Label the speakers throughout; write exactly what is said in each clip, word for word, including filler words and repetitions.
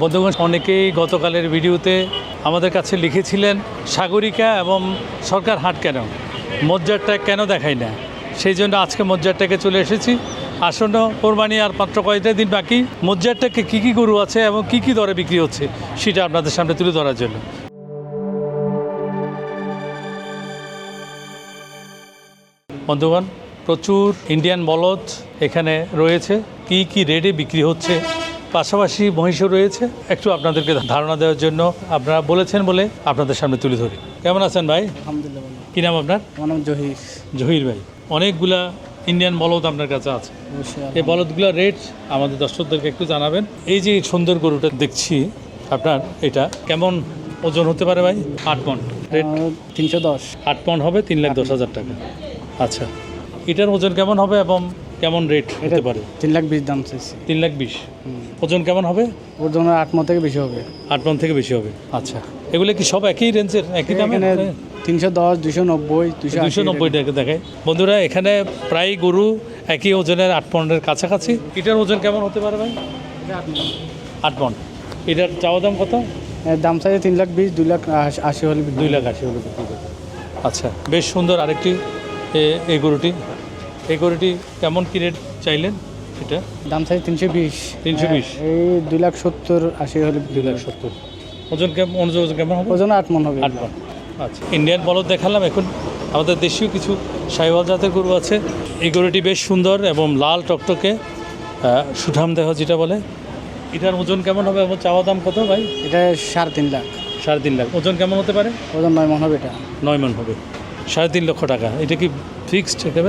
Speaker 1: বন্ধুগণ, অনেকেই গতকালের ভিডিওতে আমাদের কাছে লিখেছিলেন সাগরিকা এবং সরকার হাট কেন, মজ্জারটা কেন দেখাই না। সেই জন্য আজকে মজ্জারটাকে চলে এসেছি। আসন্ন কোরবানি আর মাত্র কয়েকটা দিন বাকি। মজ্জারটাকে কী কী গরু আছে এবং কী কী দরে বিক্রি হচ্ছে সেটা আপনাদের সামনে তুলে ধরার জন্য। বন্ধুগণ, প্রচুর ইন্ডিয়ান বলদ এখানে রয়েছে, কি কি রেটে বিক্রি হচ্ছে, পাশাপাশি মহিষও রয়েছে। একটু আপনাদেরকে ধারণা দেওয়ার জন্য আপনারা বলেছেন বলে আপনাদের সামনে তুলে ধরি। কেমন আছেন ভাই?
Speaker 2: আলহামদুলিল্লাহ।
Speaker 1: কী নাম আপনার?
Speaker 2: আমার নাম জহির।
Speaker 1: জহির ভাই, অনেকগুলা ইন্ডিয়ান বলদ আপনার কাছে আছে, এই বলদগুলোর রেট আমাদের দর্শকদেরকে একটু জানাবেন। এই যে সুন্দর গরুটা দেখছি আপনার, এটা কেমন ওজন হতে পারে ভাই? আট পন রেট
Speaker 2: তিনশো দশ
Speaker 1: আট পন হবে, তিন লাখ দশ হাজার টাকা। আচ্ছা, এটার ওজন কেমন হবে এবং কেমন রেট হতে পারে?
Speaker 2: তিন লাখ বিশ দাম চাইছি।
Speaker 1: তিন লাখ বিশ ওজন কেমন হবে?
Speaker 2: ওজন আট মন থেকে বেশি হবে।
Speaker 1: আট পন থেকে বেশি হবে। আচ্ছা, এগুলো কি সব একই রেঞ্জের, একই দামে?
Speaker 2: তিনশো দশ, দুশো নব্বই,
Speaker 1: দুশো নব্বই টাকা দেখায়। বন্ধুরা, এখানে প্রায় গরু একই ওজনের, আট পনের কাছাকাছি। এটার ওজন কেমন হতে পারে ভাই? আট পন। এটার চাওয়া দাম কত?
Speaker 2: দাম চাইছে তিন লাখ বিশ, দুই লাখ আশি হলে
Speaker 1: দুই লাখ আশি হলে বিক্রি করবে। আচ্ছা, বেশ সুন্দর আরেকটি এই গরুটি। এই গরুটি কেমন কি রেট চাইলেন? এটা
Speaker 2: দাম চাইছে তিনশো বিশ।
Speaker 1: তিনশো বিশ
Speaker 2: এই দুই লাখ সত্তর আশি হলে
Speaker 1: দুই লাখ সত্তর। ওজন কেমন, ওজন কেমন হবে?
Speaker 2: ওজন আট মন হবে।
Speaker 1: আট মন। আচ্ছা, ইন্ডিয়ান বলদ দেখালাম, এখন আমাদের দেশীয় কিছু সাহিওয়াল জাতের গরু আছে। এই গরুটি বেশ সুন্দর এবং লাল টকটকে, সুঠাম দেহ যেটা বলে। এটার ওজন কেমন হবে এবং চাওয়া দাম কত ভাই?
Speaker 2: এটা সাড়ে তিন লাখ।
Speaker 1: সাড়ে তিন লাখ। ওজন কেমন হতে পারে?
Speaker 2: ওজন নয় মন হবে। এটা
Speaker 1: নয় মন হবে, সাড়ে তিন লক্ষ টাকা। এটা কি ফিক্সড একেবারে?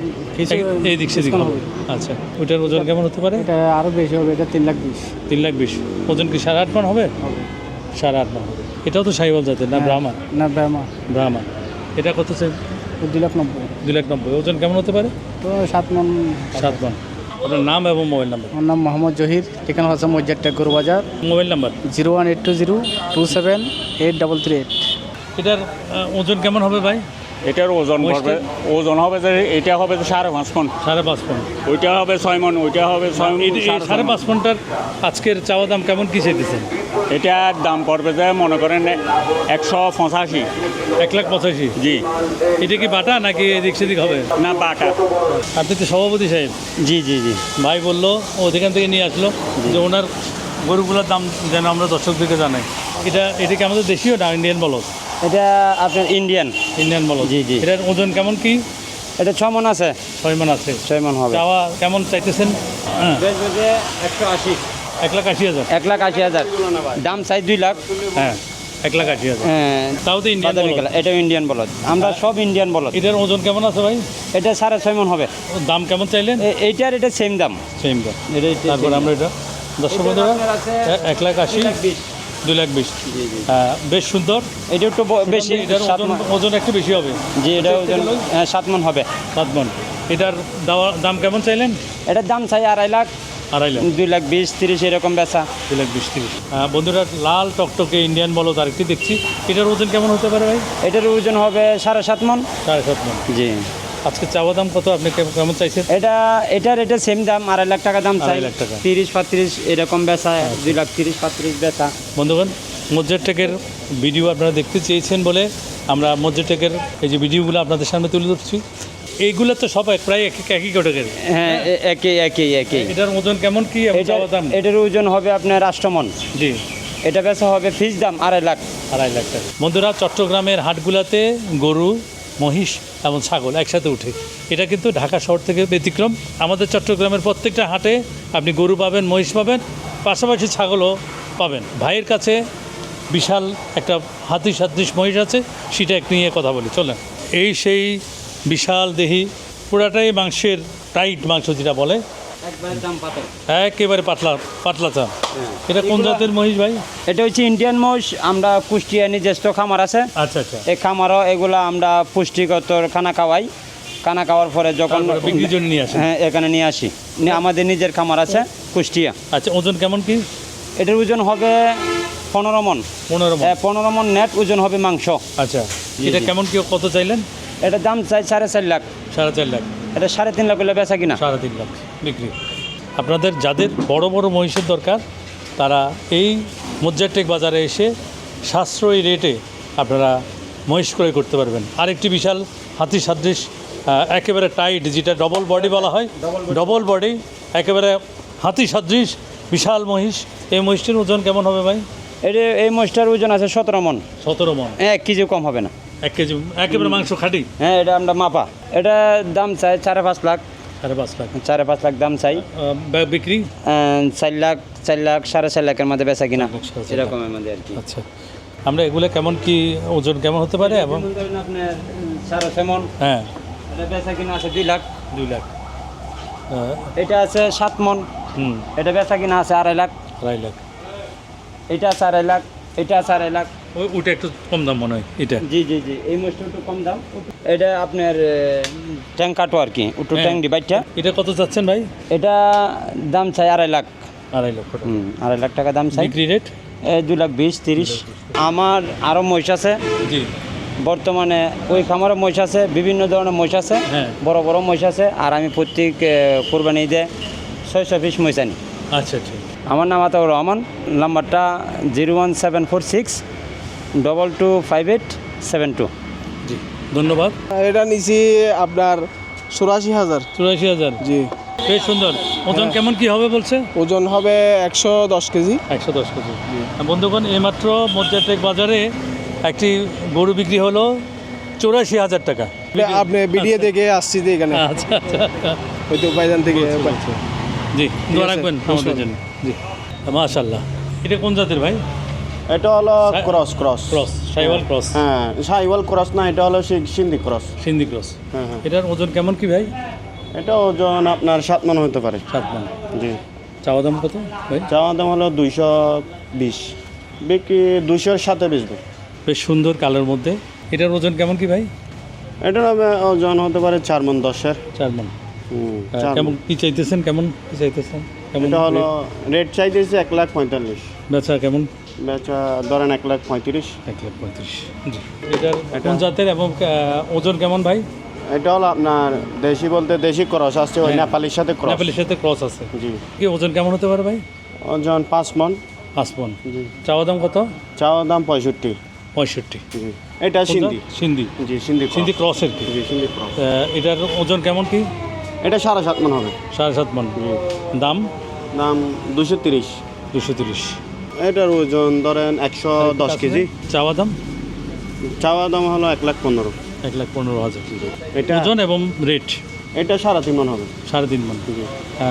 Speaker 1: এই দিক সেদিক হবে। আচ্ছা, ওইটার ওজন কেমন হতে পারে?
Speaker 2: এটা আরও বেশি হবে। এটা তিন লাখ বিশ।
Speaker 1: তিন লাখ বিশ। ওজন কি সাড়ে আট মন হবে? সাড়ে আট মন হবে। এটাও তো সাহিওয়াল জাতের না? ব্রাহ্মা?
Speaker 2: না, ব্রাহ্মা।
Speaker 1: ব্রাহ্মা। এটা কত চাই?
Speaker 2: দুই লাখ নব্বই।
Speaker 1: দুই লাখ নব্বই। ওজন কেমন হতে পারে?
Speaker 2: তো সাত মন।
Speaker 1: সাত মন। আপনার নাম এবং মোবাইল নাম্বার?
Speaker 2: আমার নাম মোহাম্মদ জহির, ঠিকানা হচ্ছে মজ্জারটা গরু বাজার।
Speaker 1: Mobile number?
Speaker 2: Zero one eight two zero two seven eight double three eight.
Speaker 1: এটার ওজন কেমন হবে ভাই?
Speaker 3: এটার ওজন হবে, ওজন হবে যে এটা হবে যে সাড়ে পাঁচ মন।
Speaker 1: সাড়ে পাঁচ মন।
Speaker 3: ওইটা হবে ছয় মন, ওইটা হবে ছয় মন।
Speaker 1: সাড়ে পাঁচ মনটার আজকের চাওয়া দাম কেমন কি চাইতেছেন?
Speaker 3: এটার দাম পড়বে যে মনে করেন একশো পঁচাশি।
Speaker 1: এক লাখ পঁচাশি?
Speaker 3: জি।
Speaker 1: এটা কি বাটা নাকি এদিক সেদিক হবে?
Speaker 3: না, বাটা।
Speaker 1: আপনি তো সভাপতি সাহেব।
Speaker 3: জি জি জি।
Speaker 1: ভাই বললো ওখান থেকে নিয়ে আসলো যে ওনার গরুগুলোর দাম যেন আমরা দর্শকদেরকে জানাই। এটা এটা কি আমাদের দেশীয় না ইন্ডিয়ান বলদ?
Speaker 3: এটা আপনার ইন্ডিয়ান।
Speaker 1: ইন্ডিয়ান বলদ।
Speaker 3: জি জি।
Speaker 1: এটার ওজন কেমন কি?
Speaker 3: এটা ছ মন আছে।
Speaker 1: ছয় মন আছে।
Speaker 3: ছয় মন হবে।
Speaker 1: চাওয়া কেমন চাইতেছেন? হ্যাঁ,
Speaker 3: একশো আশি।
Speaker 1: এক লাখ আশি হাজার।
Speaker 3: এক লাখ আশি হাজার দাম চাই দুই লাখ।
Speaker 1: হ্যাঁ, এক লাখ আশি হাজার।
Speaker 3: হ্যাঁ,
Speaker 1: তাও তো ইন্ডিয়ান বলদ।
Speaker 3: এটা ইন্ডিয়ান বলদ, আমরা সব ইন্ডিয়ান বলদ।
Speaker 1: এটার ওজন কেমন আছে ভাই?
Speaker 3: এটা সাড়ে ছয় মন হবে।
Speaker 1: দাম কেমন চাইলেন?
Speaker 3: এইটার এটা সেম দাম।
Speaker 1: সেম দাম। তারপর আমরা এটা দর্শক বন্ধুরা এক লাখ আশি, দুই লাখ বিশ। হ্যাঁ, বেশ সুন্দর।
Speaker 3: এটা একটু বেশি,
Speaker 1: এটার ওজন ওজন একটু বেশি হবে।
Speaker 3: জি, এটা ওজন সাত মন হবে।
Speaker 1: সাত মন। এটার দাম কেমন চাইলেন?
Speaker 3: এটার দাম চাই আড়াই লাখ।
Speaker 1: আড়াই লাখ।
Speaker 3: দুই লাখ বিশ তিরিশ এরকম বেচা।
Speaker 1: দুই লাখ বিশ তিরিশ। বন্ধুরা, লাল টকটকে ইন্ডিয়ান বলদ আরেকটি দেখছি। এটার ওজন কেমন হতে পারে ভাই?
Speaker 3: এটার ওজন হবে সাড়ে সাত মন।
Speaker 1: সাড়ে সাত মন।
Speaker 3: জি।
Speaker 1: আজকে চাওয়া দাম কত, আপনি কেমন চাইছেন?
Speaker 3: এটা এটার এটা সেম দাম, আড়াই লাখ টাকা দাম চাই।
Speaker 1: লাখ টাকা।
Speaker 3: তিরিশ পঁয়ত্রিশ এরকম বেচা। দুই লাখ তিরিশ পঁয়ত্রিশ বেচা।
Speaker 1: বন্ধুগণ, মজ্জারটেকের ভিডিও আপনারা দেখতে চেয়েছেন বলে আমরা মজ্জারটেকের এই যে ভিডিওগুলো আপনাদের সামনে তুলে ধরছি। এইগুলো তো সব প্রায় এক একই ক্যাটাগরি।
Speaker 3: হ্যাঁ, একই একই একই।
Speaker 1: এটার ওজন কেমন কি?
Speaker 3: এটার ওজন হবে আপনার রাষ্ট্রমন।
Speaker 1: জি।
Speaker 3: এটা বেচা হবে ফিস দাম আড়াই লাখ।
Speaker 1: আড়াই লাখ টাকা। বন্ধুরা, চট্টগ্রামের হাটগুলাতে গরু, মহিষ এবং ছাগল একসাথে উঠে। এটা কিন্তু ঢাকা শহর থেকে ব্যতিক্রম। আমাদের চট্টগ্রামের প্রত্যেকটা হাটে আপনি গরু পাবেন, মহিষ পাবেন, পাশাপাশি ছাগলও পাবেন। ভাইয়ের কাছে বিশাল একটা হাতি সাদৃশ মহিষ আছে, সেটা এক নিয়ে কথা বলি, চলেন। এই সেই বিশাল দেহি, পুরাটাই মাংসের টাইট মাংস যেটা বলে, একেবারে পাতলা পাতলা চা। এটা কোন জাতের মহিষ ভাই?
Speaker 3: এটা হচ্ছে ইন্ডিয়ান মহিষ। আমরা কুষ্টিয়া নিজস্ব খামার আছে।
Speaker 1: আচ্ছা আচ্ছা।
Speaker 3: এই খামারও এগুলো আমরা পুষ্টিগত খানা খাওয়াই। খানা খাওয়ার পরে যখন
Speaker 1: বিক্রির জন্য নিয়ে আসি,
Speaker 3: হ্যাঁ এখানে নিয়ে আসি। আমাদের নিজের খামার আছে কুষ্টিয়া।
Speaker 1: আচ্ছা, ওজন কেমন কি?
Speaker 3: এটার ওজন হবে পনেরো মন।
Speaker 1: পনেরো মন।
Speaker 3: পনেরো মন নেট ওজন হবে মাংস।
Speaker 1: আচ্ছা, এটা কেমন কি, কত চাইলেন?
Speaker 3: এটার দাম চাই সাড়ে চার লাখ।
Speaker 1: সাড়ে চার লাখ।
Speaker 3: এটা সাড়ে তিন লাখ হলে বেচা কিনা?
Speaker 1: সাড়ে তিন লাখ বিক্রি। আপনাদের যাদের বড় বড় মহিষের দরকার, তারা এই মুজ্জারটেক বাজারে এসে সাশ্রয়ী রেটে আপনারা মহিষ ক্রয় করতে পারবেন। আরেকটি বিশাল হাতি সাদৃশ আহ, একেবারে টাইট, যেটা ডবল বডি বলা হয়, ডবল বডি একেবারে হাতি সাদৃশ বিশাল মহিষ। এই মহিষটির ওজন কেমন হবে ভাই?
Speaker 3: এটা এই মহিষটার ওজন আছে সতেরো মন,
Speaker 1: সতেরো মন,
Speaker 3: এক কেজি কম হবে না।
Speaker 1: এক কেজি একেবারে মাংস খাঁটি।
Speaker 3: হ্যাঁ, এটা আমরা মাপা। এটা দাম চাই সাড়ে পাঁচ লাখ,
Speaker 1: সাড়ে পাঁচ লাখ
Speaker 3: সাড়ে পাঁচ লাখ দাম চাই।
Speaker 1: আহ, বে- বিক্রি
Speaker 3: আহ, চার লাখ চার লাখ সাড়ে চার লাখের মধ্যে বেচা কিনা,
Speaker 1: লাখ, সাড়ে চার
Speaker 3: এরকমের মধ্যে আর কি।
Speaker 1: আচ্ছা, আমরা এগুলো কেমন কি ওজন কেমন হতে পারে? এবং
Speaker 3: আপনার সাড়ে ছয় মন,
Speaker 1: হ্যাঁ,
Speaker 3: এটা বেচা কিনা আছে দুই লাখ।
Speaker 1: দুই লাখ আহ,
Speaker 3: এটা আছে সাত মন,
Speaker 1: হুম,
Speaker 3: এটা বেচা কিনা আছে আড়াই লাখ।
Speaker 1: আড়াই লাখ
Speaker 3: এটা আছে আড়াই লাখ, এটা আছে আড়াই লাখ।
Speaker 1: ওই ওটা একটু কম দাম মনে হয় এটা।
Speaker 3: জি জি জি, এই মাছটা একটু কম দাম। এটা আপনার ট্যাঙ্ক কাটো আর কি, একটু
Speaker 1: হ্যাঁ।
Speaker 3: ট্যাঙ্ক ডিভাইডটা।
Speaker 1: এটা কত চাচ্ছেন ভাই?
Speaker 3: এটা দাম চাই আড়াই লাখ।
Speaker 1: আড়াই লক্ষ টাকা।
Speaker 3: হুম, আড়াই লাখ টাকা দাম চাই।
Speaker 1: বিক্রি রেট?
Speaker 3: এই দুই লাখ বিশ তিরিশ। আমার আরও মহিষ আছে
Speaker 1: জি,
Speaker 3: বর্তমানে, ওই খামারে মহিষ আছে, বিভিন্ন ধরনের মহিষ আছে,
Speaker 1: হ্যাঁ।
Speaker 3: বড় বড় মহিষ আছে। আর আমি প্রত্যেক আহ, কোরবানি ঈদে ছয়শো পিস মহিষ আনি।
Speaker 1: আচ্ছা আচ্ছা।
Speaker 3: আমার নাম আতাউর রহমান, নাম্বারটা zero one seven four six double two five eight seven two.
Speaker 1: জি, ধন্যবাদ।
Speaker 4: এটা নিছি আপনার চুরাশি হাজার।
Speaker 1: চুরাশি হাজার,
Speaker 4: জি।
Speaker 1: বেশ সুন্দর। ওজন কেমন কি হবে বলছে?
Speaker 4: ওজন হবে একশো দশ কেজি।
Speaker 1: একশো দশ কেজি। বন্ধুগণ, এইমাত্র মুজ্জারটেক বাজারে একটি গরু বিক্রি হলো চৌরাশি হাজার টাকা।
Speaker 4: এটা আপনি বিডিএ থেকে আসছি যে এখানে,
Speaker 1: আচ্ছা আচ্ছা,
Speaker 4: হয়তো উপায়জান থেকে।
Speaker 1: জি, দোয়া
Speaker 4: আছে,
Speaker 1: রাখবেন আমাদের জন্য। জি, মাশাআল্লাহ। এটা কোন জাতের ভাই?
Speaker 5: এটা হলো
Speaker 1: সা-
Speaker 5: cross cross
Speaker 1: cross, Sahiwal cross,
Speaker 5: হ্যাঁ সাইওয়াল ক্রস না, এটা হলো সি- সিন্ধি ক্রস।
Speaker 1: সিন্ধি ক্রস।
Speaker 5: হ্যাঁ হ্যাঁ,
Speaker 1: এটার ওজন কেমন কি ভাই?
Speaker 5: এটা ওজন আপনার সাত মন হতে পারে।
Speaker 1: সাত মান।
Speaker 5: জি,
Speaker 1: চাওয়া দাম কত ভাই?
Speaker 5: চাওয়া দাম হলো দুইশো বিশ, বিক্রি দুইশোর সাথে বেচবো।
Speaker 1: বেশ সুন্দর কালার মধ্যে। এটার ওজন কেমন কি ভাই?
Speaker 5: এটার হবে- ওজন হতে পারে চার মন দশের।
Speaker 1: চার মান।
Speaker 5: হুম,
Speaker 1: আহ,
Speaker 5: চার
Speaker 1: কেমন
Speaker 5: মণ।
Speaker 1: কি চাইতেছেন? কেমন কি চাইতেছেন? কেমন
Speaker 5: এটা হলো
Speaker 1: rate?
Speaker 5: রেট চাইতেছে এক লাখ পঁয়তাল্লিশ,
Speaker 1: বেচা কেমন?
Speaker 5: বেচা ধরেন এক লাখ পঁয়ত্রিশ।
Speaker 1: এক লাখ পঁয়ত্রিশ। জি। এটার কোন জাতের এবং আহ, ওজন কেমন ভাই?
Speaker 5: এটা হলো আপনার দেশি বলতে দেশি ক্রস আসছে, ওই
Speaker 1: হ্যাঁ।
Speaker 5: নেপালির সাথে ক্রস।
Speaker 1: নেপালের সাথে ক্রস আছে।
Speaker 5: জি,
Speaker 1: কি ওজন কেমন হতে পারে ভাই?
Speaker 5: ওজন পাঁচ মন।
Speaker 1: পাঁচ মণ।
Speaker 5: জি,
Speaker 1: চাওয়া দাম কত?
Speaker 5: চাওয়া দাম পঁয়ষট্টি।
Speaker 1: পঁয়ষট্টি।
Speaker 5: জি, এটা
Speaker 1: কোন
Speaker 5: সিন্ধি।
Speaker 1: জাত? সিন্ধি।
Speaker 5: জি, সিন্ধি
Speaker 1: সিন্ধি
Speaker 5: ক্রস।
Speaker 1: ক্রসের কি?
Speaker 5: জি, সিন্ধি ক্রস।
Speaker 1: আহ, এটার ওজন কেমন কি?
Speaker 5: এটা সাড়ে সাত মন হবে।
Speaker 1: সাড়ে সাত মণ।
Speaker 5: জি,
Speaker 1: দাম
Speaker 5: দাম দুশো তিরিশ।
Speaker 1: দুশো তিরিশ।
Speaker 5: এটার ওজন ধরেন একশো দশ কেজি।
Speaker 1: চাওয়া দাম
Speaker 5: চাওয়া দাম হলো এক লাখ পনেরো।
Speaker 1: এক লাখ পনেরো হাজার।
Speaker 5: এটা
Speaker 1: ওজন এবং রেট
Speaker 5: এটা সাড়ে তিন মন হবে।
Speaker 1: সাড়ে তিন মণ।
Speaker 5: জি,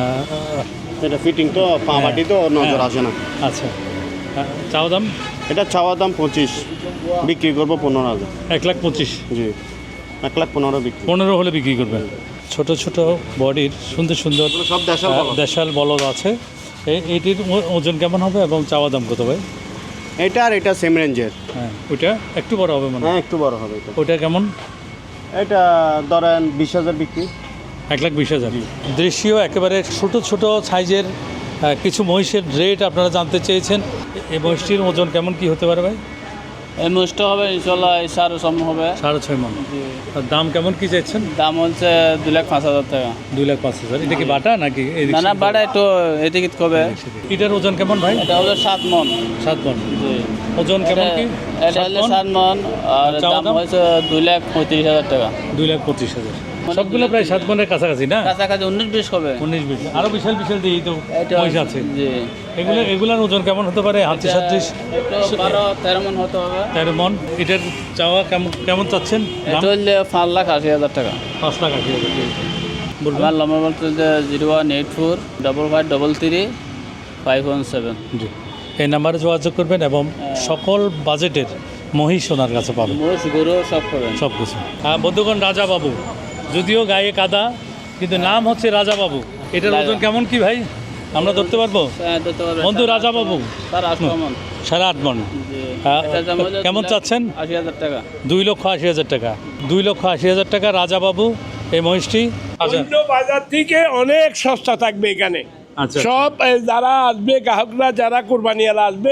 Speaker 1: আহ,
Speaker 5: এটা ফিটিং তো পা বাটি তো নজর আসে না।
Speaker 1: আচ্ছা, আহ, চাওয়া দাম
Speaker 5: এটা চাওয়া দাম পঁচিশ, বিক্রি করবো পনেরো হাজার।
Speaker 1: এক লাখ পঁচিশ।
Speaker 5: জি, এক লাখ পনেরো বিক্রি।
Speaker 1: পনেরো হলে বিক্রি করবেন। ছোট ছোট বডির সুন্দর সুন্দর
Speaker 5: এগুলো সব দেশের
Speaker 1: আহ,
Speaker 5: বলদ।
Speaker 1: দেশাল বলদ আছে। এই- এইটির ও- ওজন কেমন হবে এবং চাওয়া দাম কত ভাই?
Speaker 5: এটা আর এটা সেম রেঞ্জের।
Speaker 1: হ্যাঁ, ওইটা একটু বড় হবে মনে হয়।
Speaker 5: হ্যাঁ, একটু বড় হবে এটা।
Speaker 1: ওইটা কেমন?
Speaker 5: এটা ধরেন বিশ হাজার বিক্রি।
Speaker 1: এক লাখ বিশ হাজার। দেশীয় একেবারে ছোট ছোট সাইজের আহ, কিছু মহিষের রেট আপনারা জানতে চেয়েছেন। এই মহিষটির ওজন কেমন কি হতে পারে ভাই?
Speaker 6: এই মোষটা হবে ইনশাল্লাহ এই সাড়ে সম হবে।
Speaker 1: সাড়ে ছয় মণ। আর দাম কেমন কি চাইছেন?
Speaker 6: দাম হচ্ছে দুই লাখ পাঁচ হাজার টাকা।
Speaker 1: দুই লাখ পাঁচ হাজার। এটা কি বাটা নাকি এদিক
Speaker 6: না না
Speaker 1: সেদিক?
Speaker 6: বাড়া একটু এদিকে কবে।
Speaker 1: এটার ওজন কেমন ভাই?
Speaker 6: এটা হলো সাত মন।
Speaker 1: সাত মণ।
Speaker 6: জি,
Speaker 1: ওজন কেমন কি?
Speaker 6: এটা
Speaker 1: সাত
Speaker 6: হলো
Speaker 1: মণ?
Speaker 6: সাত মন। আর
Speaker 1: চাওয়া
Speaker 6: দাম
Speaker 1: দাম?
Speaker 6: হয়েছে দুই লাখ পঁয়ত্রিশ হাজার টাকা।
Speaker 1: দুই লাখ পঁচিশ হাজার। সবগুলো প্রায় সাত মণের কাছাকাছি না?
Speaker 6: কাছাকাছি উনিশ বিশ হবে।
Speaker 1: উনিশ বিশ। আরো বিশাল বিশাল দিয়ে তো
Speaker 6: এটা
Speaker 1: মহিষ আছে।
Speaker 6: জি,
Speaker 1: এগুলো এগুলার ওজন কেমন হতে পারে? হাতি সাদৃশ
Speaker 6: একটু বারো তেরো মন হতে হবে।
Speaker 1: তেরো মণ। এটার চাওয়া কেমন কেমন চাচ্ছেন? দাম?
Speaker 6: এটা হলে পাঁচ লাখ আশি হাজার টাকা।
Speaker 1: পাঁচ লাখ আশি হাজার। বলবেন?
Speaker 6: আমার নম্বর বলতে zero one eight four double five double three five one seven.
Speaker 1: জি, এই নাম্বারে যোগাযোগ করবেন এবং সকল বাজেটের মহিষ ওনার কাছে পাবেন
Speaker 6: মোষ গরু সব করবেন।
Speaker 1: সব কিছু। হ্যাঁ বন্ধুগণ, রাজা বাবু, যদিও গায়ে কাদা কিন্তু নাম হচ্ছে রাজা বাবু। এটার ওজন কেমন কি ভাই আমরা ধরতে পারবো?
Speaker 6: হ্যাঁ, ধরতে পারবেন।
Speaker 1: বন্ধু রাজা বাবু
Speaker 6: তার আট মন।
Speaker 1: সাড়ে আট মণ।
Speaker 6: জি,
Speaker 1: হ্যাঁ,
Speaker 6: এটার দাম হলো
Speaker 1: কেমন
Speaker 6: দুই লাখ
Speaker 1: চাচ্ছেন?
Speaker 6: আশি হাজার টাকা।
Speaker 1: দুই লক্ষ আশি হাজার টাকা। দুই লক্ষ আশি হাজার টাকা রাজা বাবু এই মহিষটি। আচ্ছা
Speaker 7: অন্য বাজার থেকে অনেক সস্তা থাকবে এখানে।
Speaker 1: আচ্ছা
Speaker 7: সব এ, যারা আসবে গ্রাহকরা, যারা কোরবানিয়ালা আসবে,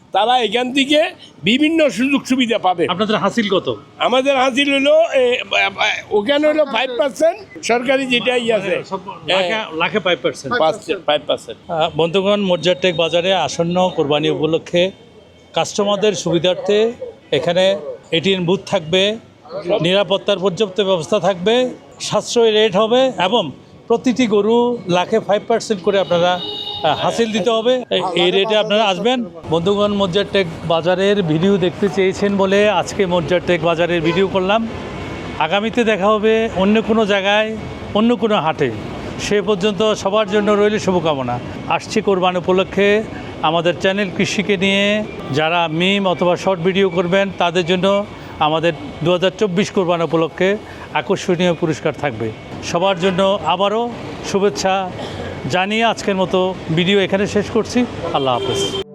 Speaker 7: তারা এখান থেকে বিভিন্ন সুযোগ সুবিধা পাবে।
Speaker 1: আপনাদের হাসিল কত?
Speaker 7: আমাদের হাসিল হলো এ, ওখানে হলো ফাইভ পার্সেন্ট, সরকারি যেটাই আছে
Speaker 1: লাখে- লাখে ফাইভ পার্সেন্ট।
Speaker 7: Five percent.
Speaker 1: বন্ধুগণ, মজ্জারটেক বাজারে আসন্ন কোরবানি উপলক্ষে কাস্টমারদের সুবিধার্থে এখানে এটিএম বুথ থাকবে, নিরাপত্তার পর্যাপ্ত ব্যবস্থা থাকবে, সাশ্রয়ী রেট হবে এবং প্রতিটি গরু লাখে ফাইভ পার্সেন্ট করে আপনারা আহ, হাসিল দিতে হবে। এই- এই রেটে আপনারা আসবেন। বন্ধুগণ, মজ্জারটেক বাজারের ভিডিও দেখতে চেয়েছেন বলে আজকে মজ্জারটেক বাজারের ভিডিও করলাম। আগামীতে দেখা হবে অন্য কোনো জায়গায়, অন্য কোনো হাটে। সে পর্যন্ত সবার জন্য রইল শুভকামনা। আসছে কোরবান উপলক্ষে আমাদের চ্যানেল কৃষিকে নিয়ে যারা মিম অথবা শর্ট ভিডিও করবেন তাদের জন্য আমাদের দু হাজার চব্বিশ কোরবান উপলক্ষে আকর্ষণীয় পুরস্কার থাকবে। সবার জন্য আবারও শুভেচ্ছা জানিয়ে আজকের মতো ভিডিও এখানে শেষ করছি। আল্লাহ হাফেজ।